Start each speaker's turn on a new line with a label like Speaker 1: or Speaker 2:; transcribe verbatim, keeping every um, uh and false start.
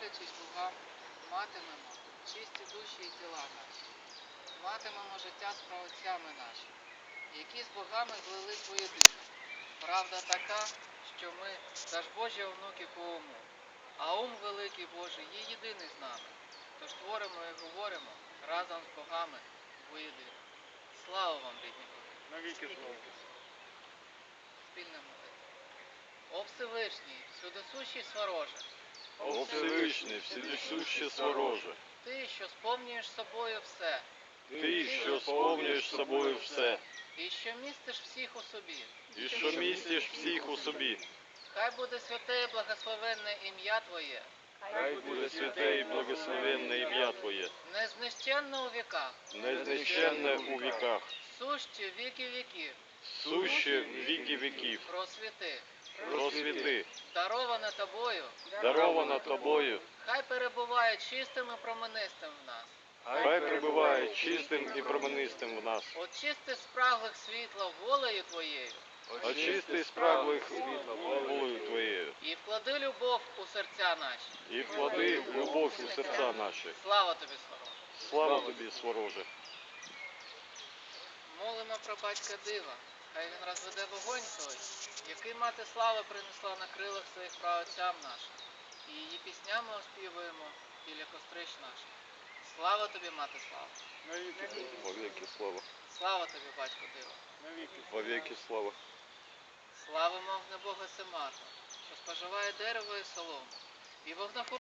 Speaker 1: молячись Богам, матимемо чисті душі і тіла наші, матимемо життя з праотцями нашими, які з богами злились воєдино. Правда така, що ми та ж Божі онуки по уму, а ум великий Божий є єдиний з нами, тож творимо і говоримо разом з богами воєдино. Слава вам, рідні боги!
Speaker 2: Навіки слава.
Speaker 1: Спільна молитва. О Всевишній, всюдисущий свороже,
Speaker 3: О Всевишній, всюдисюще свороже,
Speaker 1: Ти, що сповнюєш собою все,
Speaker 3: Ти, що сповнюєш собою все,
Speaker 1: і що містиш всіх у собі,
Speaker 3: і що містиш всіх у собі,
Speaker 1: хай буде святе і благословенне ім'я Твоє,
Speaker 3: хай буде святе і благословенне ім'я Твоє,
Speaker 1: незнищенне у віках,
Speaker 3: незнищенне у віках,
Speaker 1: суще віки віків,
Speaker 3: суще в віки віків,
Speaker 1: просвіти,
Speaker 3: просвіти,
Speaker 1: дароване Тобою,
Speaker 3: дарована Тобою,
Speaker 1: хай перебуває чистим і променистим в нас,
Speaker 3: хай прибуває чистим і променистим в нас,
Speaker 1: очисти спраглих світла волею Твоєю,
Speaker 3: очисти спраглих волею Твоєю,
Speaker 1: і вклади любов у серця наші.
Speaker 3: і вклади любов у серця наші.
Speaker 1: Слава Тобі, Свороже!
Speaker 3: Слава Тобі, свороже!
Speaker 1: Молимо про батька дива, хай він розведе вогонь той, який мати слави принесла на крилах своїх праотцям нашим, і її піснями оспівуємо біля кострищ наших. Слава тобі, мати слава!
Speaker 2: Навіки слава.
Speaker 3: Вовеки слава!
Speaker 1: Слава тобі, батько дива!
Speaker 2: Навіки слава.
Speaker 3: Вовеки слава!
Speaker 1: Славимо вогнебога Семарна, що споживає дерево і солому, і вогнеху